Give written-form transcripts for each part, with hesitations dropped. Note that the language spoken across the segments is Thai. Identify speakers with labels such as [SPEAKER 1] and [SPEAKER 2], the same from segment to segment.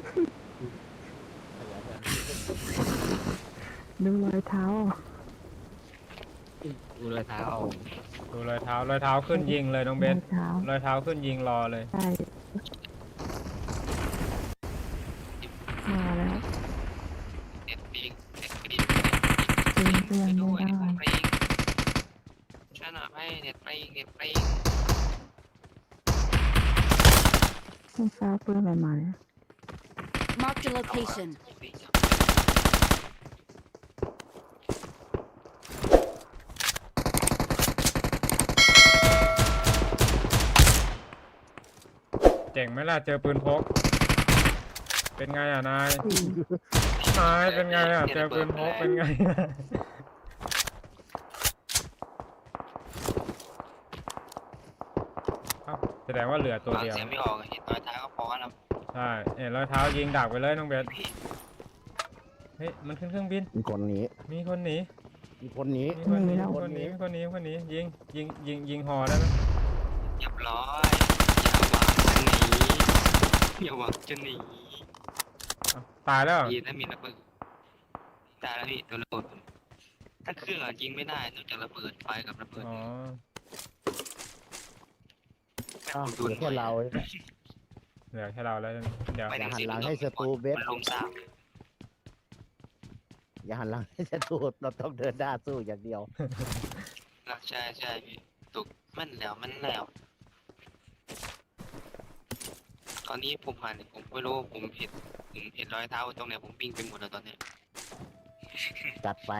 [SPEAKER 1] ดูรอยเท้า
[SPEAKER 2] ดูรอยเท้า
[SPEAKER 3] ดูรอยเท้ารอยเท้าขึ้นยิงเลยน้องเบ
[SPEAKER 1] รอ
[SPEAKER 3] ส
[SPEAKER 1] ยเท้าร
[SPEAKER 3] อยเท้าขึ้นยิงรอเลย
[SPEAKER 1] ใช่มาแล้ว
[SPEAKER 2] เน็ตปิงเน็ตปิง
[SPEAKER 1] จริงก็ยัง
[SPEAKER 2] ด้
[SPEAKER 1] ไม่
[SPEAKER 2] วย
[SPEAKER 1] ได้
[SPEAKER 2] เน็ตปิงช่วยหน่อยให้เน็ตปิงเน็ตปิง
[SPEAKER 1] ไม่ทราบเพื่อนอะไรมาเนี่ย
[SPEAKER 4] Marked a location.
[SPEAKER 3] เจ๋งไหมล่ะเจอปืนพกเป็นไงอ่ะนายเป็นไงอ่ะเจอปืนพกเป็นไงแสดงว่าเหลือตัว
[SPEAKER 2] ฟัง
[SPEAKER 3] เดียว
[SPEAKER 2] เสียงไม่ออกเห็นรอยเท้าก็พอแล้ว
[SPEAKER 3] ใช่เห็นรอยเท้ายิงดักไปเลยน้องเบสเฮ้ยมันขึ้นเครื่องบิน
[SPEAKER 5] มีคนหนี
[SPEAKER 3] มีคนหนี
[SPEAKER 5] มีคนหนี
[SPEAKER 3] มีคนหนีมีคนหนีมีคนหนีมีคนหนียิงหอได้ไหม
[SPEAKER 2] เรียบร้อยอย่าหวังจะหนี
[SPEAKER 3] ตายแล้ว
[SPEAKER 2] ยีถ้ามีระเบิดตายแล้วพี่ตัวระเบิดถ้าเครื่องยิงไม่ได้นอกจากระเบิดไฟกับระเบิด
[SPEAKER 3] อ๋อ
[SPEAKER 5] อ้าวเหลือแค่เราใช่ไหม
[SPEAKER 3] เหลือแค่เราแล้วเดี๋ยว
[SPEAKER 5] อย่าหันหลังให้ศัตรูเบส
[SPEAKER 2] มันลงสาม
[SPEAKER 5] อย่าหันหลังให้ศัตรูเราต้องเดินหน้าสู้อย่างเดียว
[SPEAKER 2] ใช่ใช่พี่ตุกมันแล้วตอนนี้ผมผ่านผมไม่รู้ผมเห็นรอยเท้าตรงไหนผมวิ่งไปหมดแล้วตอนนี้
[SPEAKER 5] จัดไป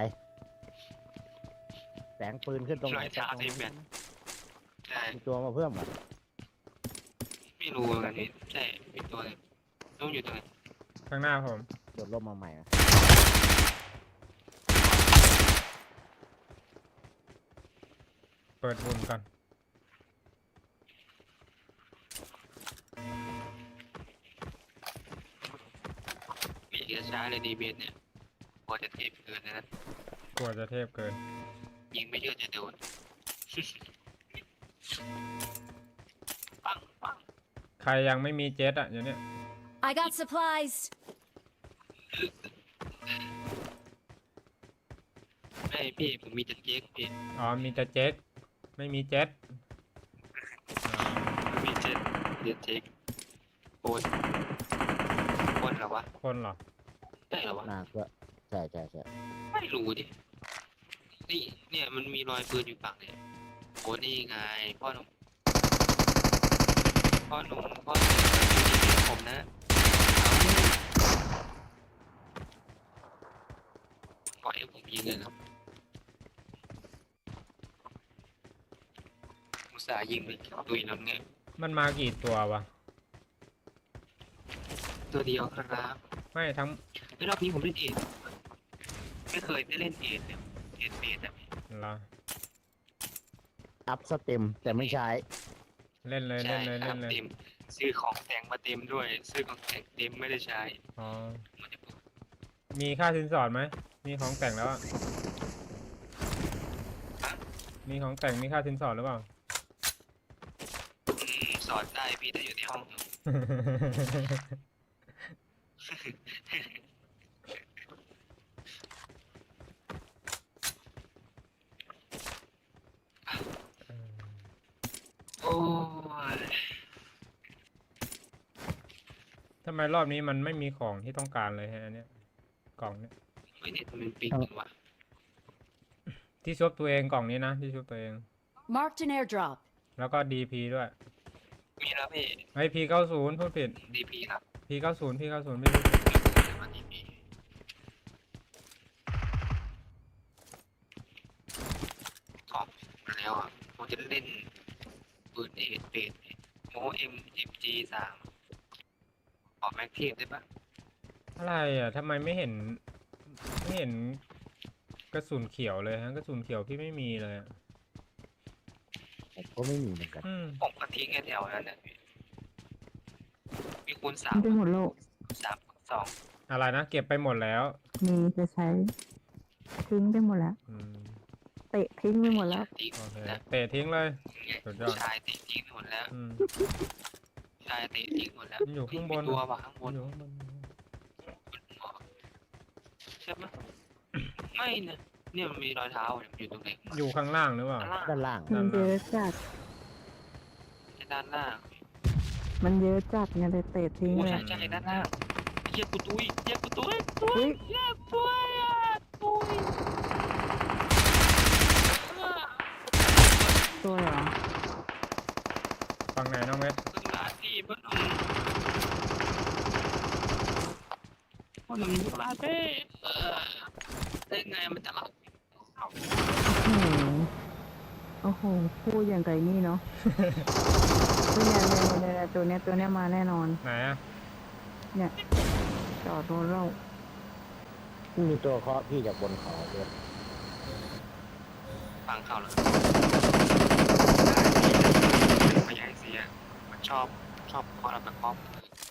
[SPEAKER 5] แสงปืนขึ้นตรงไหน
[SPEAKER 2] รอยเท้าที่แบนใช่
[SPEAKER 5] มีตัวมาเพิ่มอ่ะ
[SPEAKER 2] ไม่รู้เหมือนกันนี่ใช่มีตัวเลยต้องอยู่ตรงไหน
[SPEAKER 3] ข้างหน้าผม
[SPEAKER 5] โดดร่มมาใหม่อะ
[SPEAKER 3] เปิดหุ่นก่อน
[SPEAKER 2] มีเอกช้าเลยดีเบสเนี่ยกลัวจะเทปเกินนะ
[SPEAKER 3] กลัวจะเทพเกิน
[SPEAKER 2] ยิงไม่เยอะจะโดน ปัง
[SPEAKER 3] ใครยังไม่มีเจ็ตอ่ะเดี๋ยวนี้
[SPEAKER 4] I got supplies.
[SPEAKER 2] ไม่พี่ผมมีแต่เจ๊กพี่
[SPEAKER 3] อ๋อมีแต่เจ็ตไม่มีเจ็ต
[SPEAKER 2] มีเจ๊เจ๊กโคนเหรอวะ
[SPEAKER 3] คนเหรอ
[SPEAKER 2] ใช่เหรอวะ
[SPEAKER 5] น่าก็ใช่
[SPEAKER 2] ไม่รู้ดินี่เนี่ยมันมีรอยปืนอยู่ฝั่งเนี่ยโอ้นี่ไงพ่อหนุ่มผมนะปล่อยให้ผมยิงเลยครับอุตส่าห์ยิงไปตุยแล้วไง
[SPEAKER 3] มันมากี่ตัววะ
[SPEAKER 2] ตัวเดียวครับ
[SPEAKER 3] ไม่ทั้ง
[SPEAKER 2] ไม่รอบนี้ผมเล่นเอทไม่เคยได้เล่นเอทเนี่ยเอทเบสอะ
[SPEAKER 3] เหรอ
[SPEAKER 5] อัพสเต็มแต่ไม่ใช้
[SPEAKER 3] เล่นเลย
[SPEAKER 2] ใช่
[SPEAKER 3] เล่นเลย
[SPEAKER 2] ครั
[SPEAKER 3] เล่นเลย
[SPEAKER 2] บเต็มซื้อของแต่งมาเต็มด้วย ซื้อของแต่งเต็มไม่ได้ใช้
[SPEAKER 3] อ๋อ
[SPEAKER 2] มันจะ
[SPEAKER 3] มีค่าสินสอดไหมมีของแต่งแล้วอะมีของแต่งมีค่าสินสอดหรือเปล่า
[SPEAKER 2] สอนได้พี่แต่อยู่ในห้องโอ้ย
[SPEAKER 3] ทำไมรอบนี้มันไม่มีของที่ต้องการเลยฮะอันเนี้ยกล่องเนี้ย
[SPEAKER 2] ไม่ได้มันปิงว่ะ
[SPEAKER 3] ที่ชุบตัวเองกล่องนี้นะที่ชุบตัวเอง
[SPEAKER 4] Marked an airdrop.
[SPEAKER 3] แล้วก็ DP ด้วย
[SPEAKER 2] มีแล้วพี่
[SPEAKER 3] ไอ้ P90 พูดผิด
[SPEAKER 2] ดีพีครับ
[SPEAKER 3] P90 P90 ไม่รู้
[SPEAKER 2] มาดีพีขอบมาแล้วอ่ะผมจะเล่นปืนเอทเบสโมMG3ขอแม็กเทปได้ปะ
[SPEAKER 3] อะไรอ่ะทำไมไม่เห็นกระสุนเขียวเลยฮะกระสุนเขียวพี่ไม่มีเลยอะ
[SPEAKER 5] ก็ไม่มีเหมือนกัน
[SPEAKER 2] ผมก็ทิ้งไอ้แถวนั้นนะพี่มีคูณสา
[SPEAKER 1] มั
[SPEAKER 2] ม
[SPEAKER 1] นไปหมดโลก
[SPEAKER 2] 3 2
[SPEAKER 3] อะไรนะเก็บไปหมดแล้ว
[SPEAKER 1] มีจะใช้ทิ้งไปหมดแล้ว
[SPEAKER 3] อืม
[SPEAKER 1] เตะทิ้งไปหมดแล้ว
[SPEAKER 2] ทิ้ง
[SPEAKER 3] โอเค
[SPEAKER 2] นะ
[SPEAKER 3] เตะทิ้งเลย สุดยอด
[SPEAKER 2] ชายเตะทิ้งหมดแล้ว
[SPEAKER 3] อืม
[SPEAKER 2] ชายเตะทิ้งหมดแล้ว
[SPEAKER 3] มันอยู่ข้างบน
[SPEAKER 2] มีตัวว่ะข้างบ
[SPEAKER 3] มัน นอยู่ข้างบน
[SPEAKER 2] ช่ไหมไม่นะเนี่ยมันมีรอยเท้าอยู่ตรงไหน
[SPEAKER 3] อยู่ข้างล่างหรือเปล่า
[SPEAKER 2] ด้านล่าง
[SPEAKER 5] ด้านล่าง
[SPEAKER 1] มันเยอะจัด
[SPEAKER 2] ด้านล่าง
[SPEAKER 1] มันเยอะจัดไงเลยเตะทิ้ง
[SPEAKER 2] โอ้
[SPEAKER 1] เลย
[SPEAKER 2] ใช่ด้านล่างเยี่ยกูตุ้ยเยี่ยกูตุ้ย
[SPEAKER 1] อุ้ย
[SPEAKER 2] เยี่ยตุ้ยตุ้ย
[SPEAKER 1] ตัวเหรอ
[SPEAKER 3] ฝั่งไหนน้องเวท
[SPEAKER 2] ขึ้นมาที่บ้านพ่อหนุ่มอยู่ลาเต้ได้ไงมันจะหลับ
[SPEAKER 1] โอ้โหพูดอย่างไก่นี่เนาะเนี่ยตัวเนี้ยมาแน่นอน
[SPEAKER 3] ไหนอะ
[SPEAKER 1] เนี่ยจอดรถเรา
[SPEAKER 5] มีตัวเคาะพี่จากบนเขาด้วย
[SPEAKER 2] ฟังข่าวแล้วไม่อยากให้เสียมันชอบคอเราแบบครอบ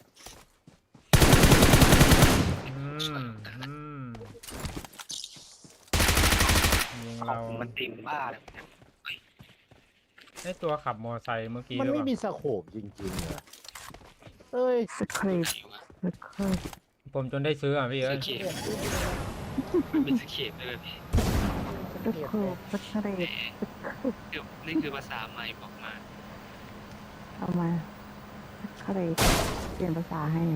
[SPEAKER 3] ยิง
[SPEAKER 2] ขอ
[SPEAKER 3] เรา
[SPEAKER 2] งมันติ่มบ้าเลย
[SPEAKER 3] ไอตัวขับมอไซค์เมื่อกี้
[SPEAKER 5] มัน
[SPEAKER 3] หรือ
[SPEAKER 5] ไม่
[SPEAKER 3] เป
[SPEAKER 5] มี
[SPEAKER 3] ล่า
[SPEAKER 5] สโคปจริงๆเหรอเอ้ย
[SPEAKER 1] สคริปต์สคริปต์
[SPEAKER 3] ผมจนได้ซื้ออ่ะพี่
[SPEAKER 2] ส
[SPEAKER 3] เอ้ย
[SPEAKER 2] เก็ตมันเป็นสเก็ตเลยพี่
[SPEAKER 1] สคริปต์สคริปต์
[SPEAKER 2] เดี๋ยวนี่คือภาษาใหม่บอกมา
[SPEAKER 1] เอามาสคริปต์เปลี่ยนภาษาให้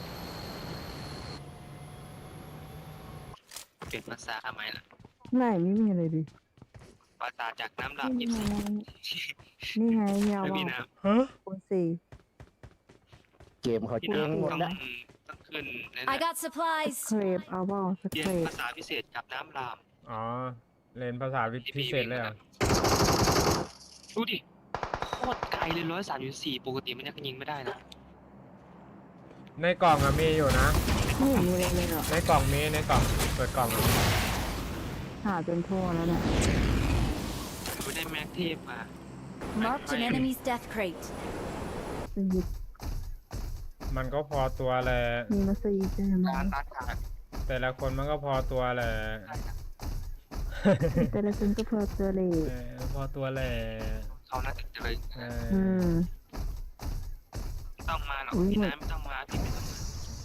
[SPEAKER 2] เป็นภาษาใหม่ละ
[SPEAKER 1] ไม่มีอะไรดิ
[SPEAKER 2] ภาษาจากน้ำดำ
[SPEAKER 1] นี่
[SPEAKER 2] ยิบ
[SPEAKER 1] ไง
[SPEAKER 2] ซี
[SPEAKER 1] นี่ไงยาว
[SPEAKER 2] ไม่มี
[SPEAKER 1] อ่ะ
[SPEAKER 2] น้
[SPEAKER 3] ฮะ
[SPEAKER 1] คูณสี่
[SPEAKER 5] เกมเขา
[SPEAKER 2] ำพี่
[SPEAKER 5] เจ๊งหมด
[SPEAKER 2] น้ำ
[SPEAKER 5] แล้ว
[SPEAKER 2] ต้องขึ้น
[SPEAKER 4] I got
[SPEAKER 1] ส
[SPEAKER 4] supplies.
[SPEAKER 1] คริปต์เอาเปล่าส
[SPEAKER 2] เรีย
[SPEAKER 1] คน ริป
[SPEAKER 2] ภา
[SPEAKER 1] ต์
[SPEAKER 2] ษาพิเศษกับน้ำราม
[SPEAKER 3] อ๋อเรียนภาษาพิเศษเลยเหรอ่ะ
[SPEAKER 2] ดูดิโคตรไกลเลย134ปกติมันยังยิงไม่ได้นะ
[SPEAKER 3] ในกล่องอะมีอยู่นะ
[SPEAKER 1] ไม่เห็นมีอะไรเลยเหรอ
[SPEAKER 3] ในกล่องมีในกล่องเปิดกล่องอะ
[SPEAKER 1] หาจนทั่วแล้วเนี่ย
[SPEAKER 2] ไม่ได้แม็กเทพมา
[SPEAKER 4] Marked an enemy's death crate.
[SPEAKER 1] สยิบ
[SPEAKER 3] มันก็พอตัวแหละ
[SPEAKER 1] มีมาซีใช่ไหม
[SPEAKER 2] การตัดขาด
[SPEAKER 3] แต่ละคนมันก็พอตัวแหละ
[SPEAKER 1] แต่ละคนก็เพอเจอเลย
[SPEAKER 3] พอตัวแหละ
[SPEAKER 2] เขาน่าจะเลย
[SPEAKER 3] เอ
[SPEAKER 1] อื
[SPEAKER 3] อ
[SPEAKER 1] ม
[SPEAKER 2] ไม่ต้องมาหรอก
[SPEAKER 1] อุ๊ย
[SPEAKER 2] พี่น้ำไม่ต้องมาพี่ไม่ต้องมา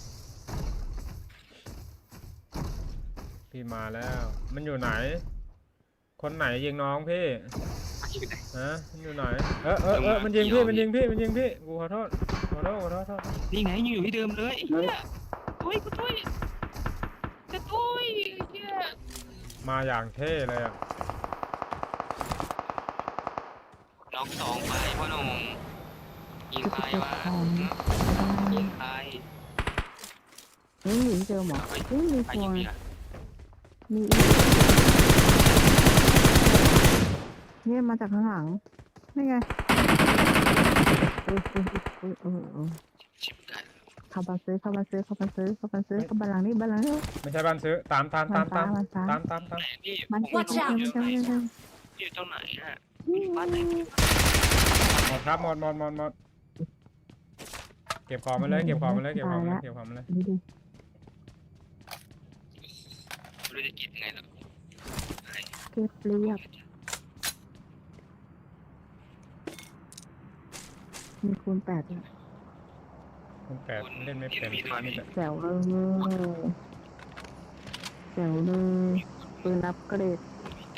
[SPEAKER 3] พี่มาแล้ว มันอยู่ไหน คนไหนยิงน้องพี่
[SPEAKER 2] มาที่ไหน
[SPEAKER 3] ฮะมันอยู่ไหนมันยิงพี่มันยิงพี่กูขอโทษ
[SPEAKER 2] นี่ไงอยู่ที่เดิมเลยเฮียตุ้ยกูตุ้ยจะตุ้ยเฮีย
[SPEAKER 3] มาอย่างเท่เลยอ่ะ
[SPEAKER 2] น้องสองไปพ่อหนุ่มยิงใครวะยิงใคร
[SPEAKER 1] นี่อยู่ที่เดิมเหรอเฮ้ยมี
[SPEAKER 2] ใคร
[SPEAKER 1] ตัว
[SPEAKER 2] ยิงพี่อะ
[SPEAKER 1] มีอีกเนี่ยมาจากข้างหลังนี่ไง
[SPEAKER 2] ชิบกัน
[SPEAKER 1] เข้ามาซื้อหลังนี้บ้านหลังนี้
[SPEAKER 3] ไม่ใช่บ้านซื้อตาม
[SPEAKER 2] ไหนพี่
[SPEAKER 1] มัน
[SPEAKER 4] Watch out
[SPEAKER 2] อยู่ตรงไหนอะบ้านไหน
[SPEAKER 3] หมดครับหมดเก็บของมาเลย
[SPEAKER 1] นี่ดิ
[SPEAKER 2] ไม่รู้จะกินยังไงหรอก
[SPEAKER 1] เก็บเรียบมีคูณ8ด้วย
[SPEAKER 3] คุณแปดเล่นไม่เป็นมีแต่
[SPEAKER 1] แจ๋วเลยปืนอัพเกรด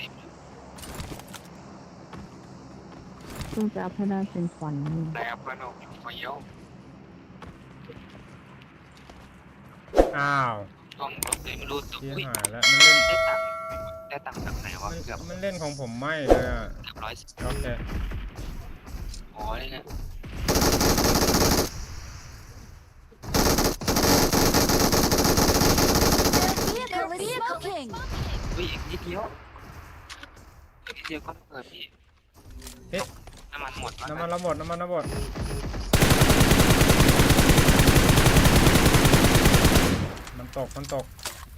[SPEAKER 1] ซึ่งจะอัพให้ได้เป็นขวัญนี่
[SPEAKER 2] แล้วพ่อหนุ่มอยู่ไฟเยอะ
[SPEAKER 3] อ้าว
[SPEAKER 2] ต้องรถเลยไม่รู้ตัว
[SPEAKER 3] ที่
[SPEAKER 2] อุ้ย
[SPEAKER 3] หายแล้วมันเล่น
[SPEAKER 2] ได้ตังค์แบบไหนวะเกือบ
[SPEAKER 3] มันเล่นของผมไม่เลยอ่ะ
[SPEAKER 2] 110
[SPEAKER 3] โอเค
[SPEAKER 2] อ๋อนี่ไง
[SPEAKER 4] Their vehicle is smoking.
[SPEAKER 2] อุ้ยอีกนิดเดียวก็เปิดพี่น้ำมันหมด
[SPEAKER 3] น้ำมันระหมดมันตก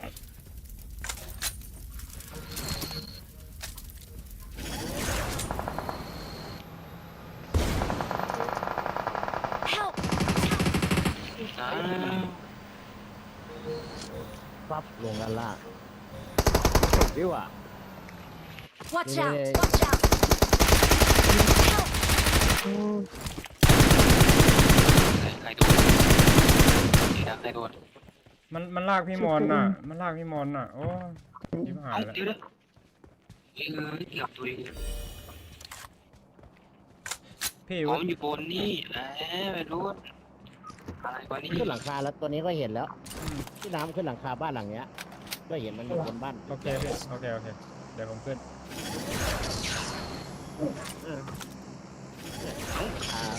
[SPEAKER 4] Help!
[SPEAKER 2] อ้าว
[SPEAKER 5] ปั๊บลงด้านล่างดีกว่า
[SPEAKER 4] Watch
[SPEAKER 5] Yeah.
[SPEAKER 4] out! Watch out! Help!
[SPEAKER 1] โอ้
[SPEAKER 2] ใครโดนใครโดน
[SPEAKER 3] มันลากพี่มอนน่ะ มันลากพี่มอนน่ะ โอ้ชิบหาย
[SPEAKER 2] เอ้า
[SPEAKER 3] แล้ว
[SPEAKER 2] เดี๋ยวนะเกือบตัวเอง
[SPEAKER 3] พี่
[SPEAKER 2] อ๋อมันอยู่บนนี่ไม่รู้อะไรกว่านี้
[SPEAKER 5] ขึ้นหลังคาแล้วตัวนี้ก็เห็นแล้ว
[SPEAKER 3] อืม
[SPEAKER 5] ที่น้ำขึ้นหลังคาบ้านหลังเนี้ย ก็เห็นมันอยู่บนบ้าน
[SPEAKER 3] โอเคพี่โอเคเดี๋ยวผมขึ้น
[SPEAKER 5] อ่า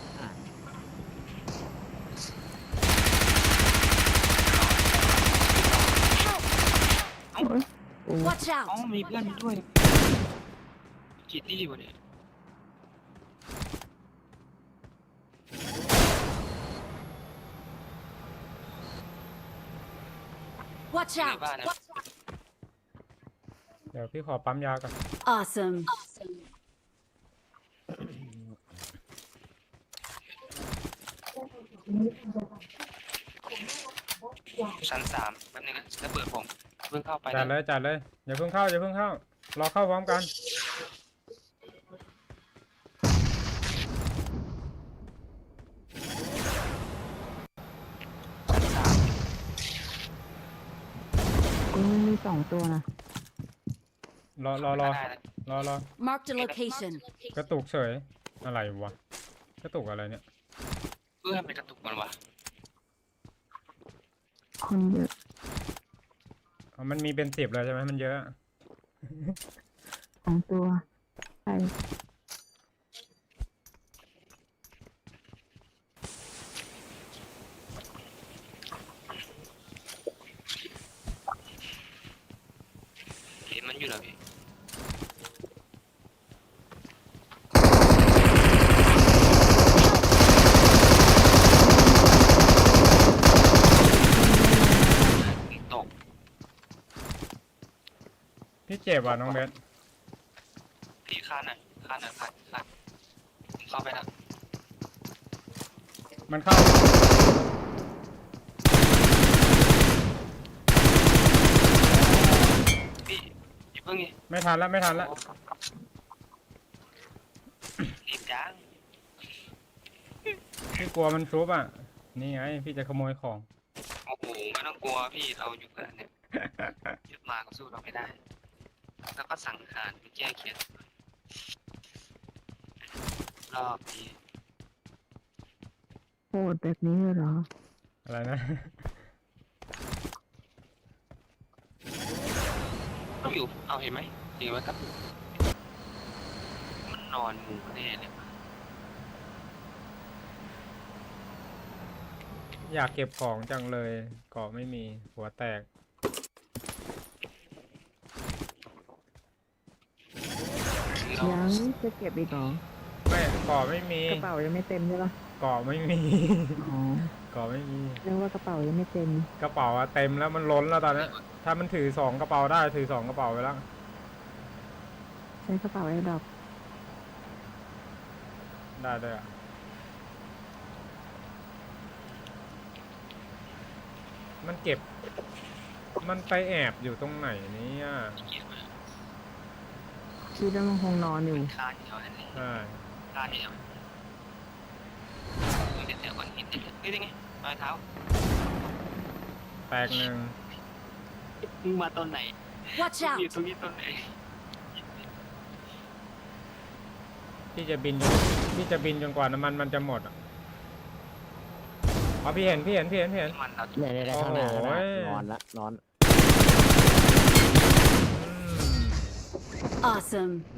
[SPEAKER 4] Watch
[SPEAKER 2] อ๋อ
[SPEAKER 4] out!
[SPEAKER 2] มีเพื่อนมาด้วยกี่ตี้วะเนี่ย
[SPEAKER 4] Watch
[SPEAKER 2] ใน
[SPEAKER 4] out!
[SPEAKER 2] บ้านนะ
[SPEAKER 3] เดี๋ยวพี่ขอปั๊มยาก่อน
[SPEAKER 4] Awesome.
[SPEAKER 2] ชั้น3แป๊บนึงนะแล้วเปิดผมเพิ่งเข้าไป
[SPEAKER 3] จัดเลยจัดเลยอย่าเพิ่งเข้ารอเข้าพร้อมกัน
[SPEAKER 1] กูมี2 ตัวนะ
[SPEAKER 3] รอ
[SPEAKER 2] ได้แล้ว
[SPEAKER 4] Marked a location.
[SPEAKER 3] กระตุกเฉยอะไรวะกระตุกอะไรเนี่ย
[SPEAKER 2] เพื่อนไปกระตุกมันวะ
[SPEAKER 1] คนเยอะ
[SPEAKER 3] อ๋อมันมีเป็น10เลยใช่ไหมมันเยอะ
[SPEAKER 1] 2 ตัวใช่
[SPEAKER 2] เห็นมันอยู่แล้วพี่ตก
[SPEAKER 3] พี่เจ็บว่ะน้องเบส
[SPEAKER 2] พี่คานหน่อยคานผมเข้าไปแล้ว
[SPEAKER 3] มันเข้า
[SPEAKER 2] พี่อย่าเพิ่งนี่
[SPEAKER 3] ไม่ทันแล้ว
[SPEAKER 2] รีบจัง
[SPEAKER 3] พี่กลัวมันชุบอ่ะนี่ไงพี่จะขโมยของ
[SPEAKER 2] โอ้โหไม่ต้องกลัวพี่เราอยู่กันเนี่ยยึดมาก็สู้เราไม่ได้ แล้วก็สั่งหารไปแก้เขียนรอบนี้
[SPEAKER 1] โหดแบบนี้เลยเหรอ
[SPEAKER 3] อะไรนะ
[SPEAKER 2] ต้องอยู่เอาเห็นไหมเห็นไหมครับมันนอนหมูแน่เลย
[SPEAKER 3] อยากเก็บของจังเลยเกาะไม่มีหัวแตก
[SPEAKER 1] ยังจะเก็บอีกเหรอ
[SPEAKER 3] ไม่เกาะไม่มี
[SPEAKER 1] กระเป๋ายังไม่เต็มใช่ปะ
[SPEAKER 3] เกาะไม่มี
[SPEAKER 1] อ๋อ
[SPEAKER 3] เกาะไม่มี
[SPEAKER 1] เรียกว่ากระเป๋ายังไม่เต็ม
[SPEAKER 3] กระเป๋าอะเต็มแล้วมันล้นแล้วตอนนี้ถ้ามันถือ2กระเป๋าได้ถือ2กระเป๋าไปแล้ว
[SPEAKER 1] ใช้กระเป๋าไอ้ดอก
[SPEAKER 3] ได้ด้วยอะมันเก็บ มันไปแอบอยู่ตรงไหนเนี่ย
[SPEAKER 1] คิดว่ามันคงนอนอยู่
[SPEAKER 2] คานเดียวนั่นเอง
[SPEAKER 3] ใช่
[SPEAKER 2] คานเดียวเดี๋ยวก่อนเห็นนี่ได้ไงรอยเท้า
[SPEAKER 3] แตกหนึ่ง
[SPEAKER 2] มึงมาตอนไหน
[SPEAKER 4] Watch
[SPEAKER 2] อยู่
[SPEAKER 4] out!
[SPEAKER 2] ตรงนี้ตอนไหน
[SPEAKER 3] พี่จะบินจนกว่าน้ำมันจะหมดอะอ๋อพี่เห็น
[SPEAKER 2] มันเรา
[SPEAKER 5] เนี่ยข้างหน้า
[SPEAKER 3] โอ้โห
[SPEAKER 5] นอนละนอน
[SPEAKER 3] อืม
[SPEAKER 4] Awesome.